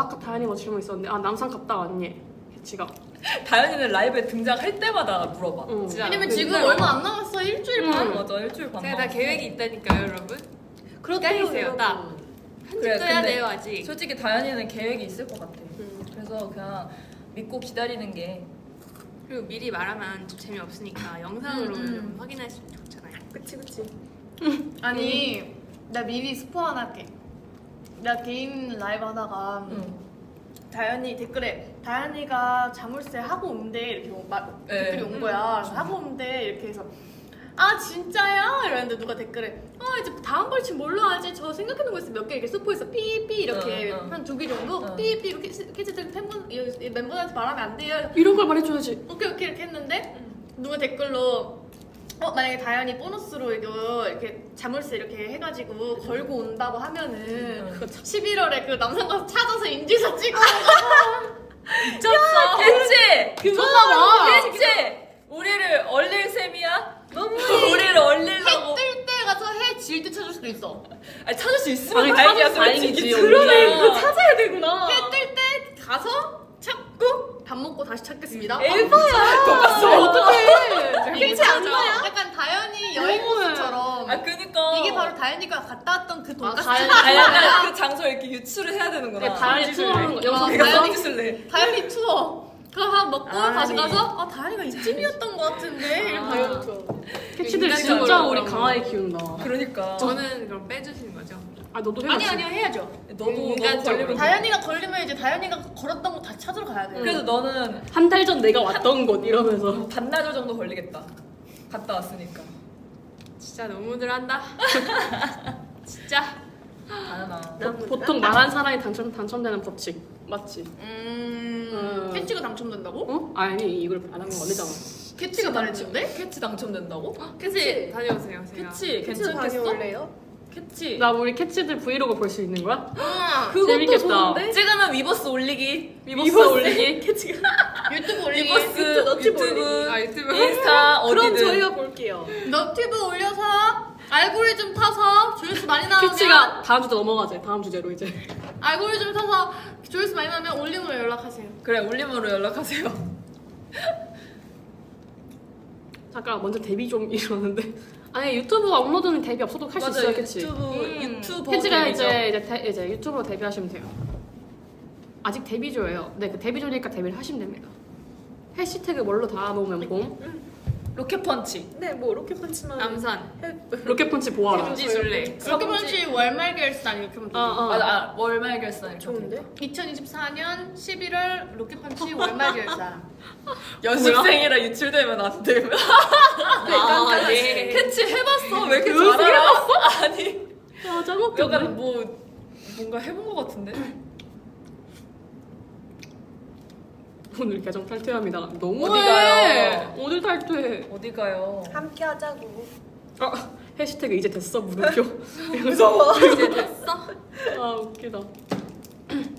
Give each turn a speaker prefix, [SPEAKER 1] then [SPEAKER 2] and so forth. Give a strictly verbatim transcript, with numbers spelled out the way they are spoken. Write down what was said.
[SPEAKER 1] 아까 다현이가 질문 있었는데 아 남산 갔다 왔니? 캐치가.
[SPEAKER 2] 다현이는 라이브에 등장할 때마다 물어봐.
[SPEAKER 1] 응.
[SPEAKER 3] 진짜.
[SPEAKER 4] 왜냐면
[SPEAKER 3] 그
[SPEAKER 4] 지금
[SPEAKER 3] 맨날
[SPEAKER 4] 얼마 안 남았어. 일주일
[SPEAKER 1] 응.
[SPEAKER 4] 반.
[SPEAKER 2] 맞아, 일주일 반.
[SPEAKER 3] 제가 다
[SPEAKER 2] 남았어.
[SPEAKER 3] 계획이 있다니까요, 여러분.
[SPEAKER 4] 그렇대요,
[SPEAKER 3] 기다리세요, 딱.
[SPEAKER 4] 여러분.
[SPEAKER 3] 편집도
[SPEAKER 2] 그래,
[SPEAKER 3] 해야
[SPEAKER 2] 근데
[SPEAKER 3] 돼요, 아직.
[SPEAKER 2] 솔직히 다현이는 계획이 있을 것 같아.
[SPEAKER 1] 음.
[SPEAKER 2] 그래서 그냥 믿고 기다리는 게.
[SPEAKER 3] 그리고 미리 말하면 좀 재미없으니까 영상으로
[SPEAKER 4] 음, 음.
[SPEAKER 3] 확인할 수 있으면 좋잖아요.
[SPEAKER 1] 그치 그치.
[SPEAKER 4] 아니 나 미리 스포 하나 할게. 나 개인 라이브 하다가
[SPEAKER 2] 응.
[SPEAKER 4] 다현이 댓글에 다현이가 자물쇠 하고 온대 이렇게 오- 마,
[SPEAKER 2] 네.
[SPEAKER 4] 댓글이 온 거야. 그래서 하고 온대 이렇게 해서 아 진짜야? 이러는데 누가 댓글에 아 이제 다음 벌칙 뭘로 하지? 저 생각해놓은 거 있어 몇 개 이렇게 스포해서 삐삐 이렇게
[SPEAKER 2] 응, 응.
[SPEAKER 4] 한 두 개 정도
[SPEAKER 2] 응.
[SPEAKER 4] 삐삐 이렇게 캐치들 팬분 이- 이 멤버들한테 말하면 안 돼요.
[SPEAKER 1] 이런 걸 말해줘야지.
[SPEAKER 4] 오케이 오케이 이렇게 했는데 누가 댓글로 어 만약에 다현이 보너스로 이거 이렇게 자물쇠 이렇게 해가지고 걸고 온다고 하면은
[SPEAKER 2] 응.
[SPEAKER 4] 십일월에 그 남산 가서 찾아서 인증샷 찍어.
[SPEAKER 2] 미쳤어. 캐치!
[SPEAKER 4] 그거나 봐.
[SPEAKER 2] 캐치! 우리를 얼릴 셈이야? 우리를 얼리려고.
[SPEAKER 4] 해 뜰 때 가서 해 질 때 찾을 수도 있어.
[SPEAKER 2] 아니, 찾을 수 있으면
[SPEAKER 1] 아니,
[SPEAKER 2] 다행이야.
[SPEAKER 1] 찾아서 다행이지,
[SPEAKER 2] 솔직히.
[SPEAKER 1] 그러네.
[SPEAKER 2] 그러네.
[SPEAKER 1] 그거
[SPEAKER 4] 찾아야 되구나. 해 뜰 때 가서 찾고 밥 먹고 다시 찾겠습니다.
[SPEAKER 2] 에바야.
[SPEAKER 1] 아, 어떡해.
[SPEAKER 4] 캐치 안 나요? 약간 다현이 여행 코스처럼.
[SPEAKER 2] 아, 그니까.
[SPEAKER 4] 이게 바로 다현이가 갔다 왔던 그 돈가스.
[SPEAKER 1] 다현이-
[SPEAKER 2] 아, 약간 그 장소 이렇게 유출을 해야 되는구나.
[SPEAKER 1] 네, 다현이 투어하는 거 영상
[SPEAKER 4] 어,
[SPEAKER 2] 내가
[SPEAKER 1] 봤어?
[SPEAKER 4] 다현이-
[SPEAKER 2] 써주실래?
[SPEAKER 4] 다현이 투어. 그거 한 먹고 다시
[SPEAKER 2] 아니.
[SPEAKER 4] 가서 아 다현이가 이쯤이었던 것 같은데. 이러고 다현이 투어.
[SPEAKER 1] 캐치들
[SPEAKER 3] 인간적으로
[SPEAKER 1] 진짜 우리
[SPEAKER 3] 그런
[SPEAKER 1] 강하게
[SPEAKER 3] 거.
[SPEAKER 1] 키운다.
[SPEAKER 2] 그러니까.
[SPEAKER 3] 저는 그럼 빼주시는 거죠?
[SPEAKER 1] 아 너도 해야지.
[SPEAKER 4] 아니 아니요 해야죠.
[SPEAKER 2] 너도, 너도
[SPEAKER 3] 인간적으로.
[SPEAKER 2] 걸리면 돼.
[SPEAKER 4] 다현이가 걸리면 이제 다현이가 걸었던 거 다시 찾으러 가야 돼.
[SPEAKER 2] 그래서 너는
[SPEAKER 1] 한 달 전 내가 왔던 곳 이러면서.
[SPEAKER 2] 반나절 정도 걸리겠다. 갔다 왔으니까.
[SPEAKER 3] 진짜 너무들 한다. 진짜.
[SPEAKER 2] 다현아.
[SPEAKER 1] 보- 보통 말한 사람이 당첨 당첨되는 법칙 맞지?
[SPEAKER 4] 음.
[SPEAKER 1] 음.
[SPEAKER 4] 캐치가 당첨된다고?
[SPEAKER 1] 어? 아니 이걸 안 하는 거 아니잖아.
[SPEAKER 4] 캐치가 말했는데?
[SPEAKER 2] 캐치 당첨된다고?
[SPEAKER 3] 캐치 다녀오세요, 제가.
[SPEAKER 2] 캐치 괜찮겠어? 캐치.
[SPEAKER 1] 나 우리 캐치들 브이로그 볼 수 있는 거야?
[SPEAKER 4] 응.
[SPEAKER 2] 그것도
[SPEAKER 1] 재밌겠다.
[SPEAKER 2] 좋은데? 찍으면 위버스 올리기.
[SPEAKER 1] 위버스 올리기.
[SPEAKER 2] 캐치가.
[SPEAKER 4] 유튜브 올리기.
[SPEAKER 2] 위버스,
[SPEAKER 4] 너튜브
[SPEAKER 2] 유튜브,
[SPEAKER 3] 아, 유튜브.
[SPEAKER 2] 인스타 어디든.
[SPEAKER 1] 볼게요.
[SPEAKER 4] 너튜브 올려서 알고리즘 타서 조회수 많이 나오면
[SPEAKER 1] 캐치가 다음 주제 넘어가자. 다음 주제로 이제.
[SPEAKER 4] 알고리즘 타서 조회수 많이 나오면 올림으로 연락하세요.
[SPEAKER 2] 그래, 올림으로 연락하세요.
[SPEAKER 1] 잠깐 먼저 데뷔 좀 이러는데. 아니 유튜브 업로드는 데뷔 없어도 할 수 있어요, 캐치.
[SPEAKER 2] 유튜브,
[SPEAKER 4] 음.
[SPEAKER 2] 유튜버.
[SPEAKER 1] 캐치가
[SPEAKER 2] 데뷔죠.
[SPEAKER 1] 이제 이제, 데, 이제 유튜브로 데뷔하시면 돼요. 아직 데뷔조예요. 네, 그 데뷔조니까 데뷔를 하시면 됩니다. 해시태그 뭘로 달아놓으면 봄?
[SPEAKER 2] 로켓펀치.
[SPEAKER 5] 네, 뭐 로켓펀치만
[SPEAKER 3] 남산.
[SPEAKER 1] 로켓펀치 보아라.
[SPEAKER 3] 금지술래.
[SPEAKER 4] 로켓펀치 월말 결산 이렇게 하면
[SPEAKER 1] 어, 어.
[SPEAKER 2] 맞아, 아, 월말 결산. 이렇게
[SPEAKER 5] 좋은데?
[SPEAKER 4] 이천이십사 년 십일월 로켓펀치 월말 결산.
[SPEAKER 2] 연습생이라 유출되면 안 되면.
[SPEAKER 3] 아, 네.
[SPEAKER 2] 캐치 해봤어? 왜 이렇게
[SPEAKER 1] 연습
[SPEAKER 2] 잘 알아? 아니.
[SPEAKER 1] 아, 짜먹겠네.
[SPEAKER 2] 약간 뭐 뭔가 해본 것 같은데.
[SPEAKER 1] 오늘 계정 탈퇴합니다. 너무
[SPEAKER 2] 어디 가요?
[SPEAKER 1] 어딜 탈퇴?
[SPEAKER 2] 어디 가요?
[SPEAKER 5] 함께 하자고.
[SPEAKER 1] 아, 해시태그 이제 됐어 물음표.
[SPEAKER 5] 무서워.
[SPEAKER 3] 이제 됐어?
[SPEAKER 1] 아 웃기다.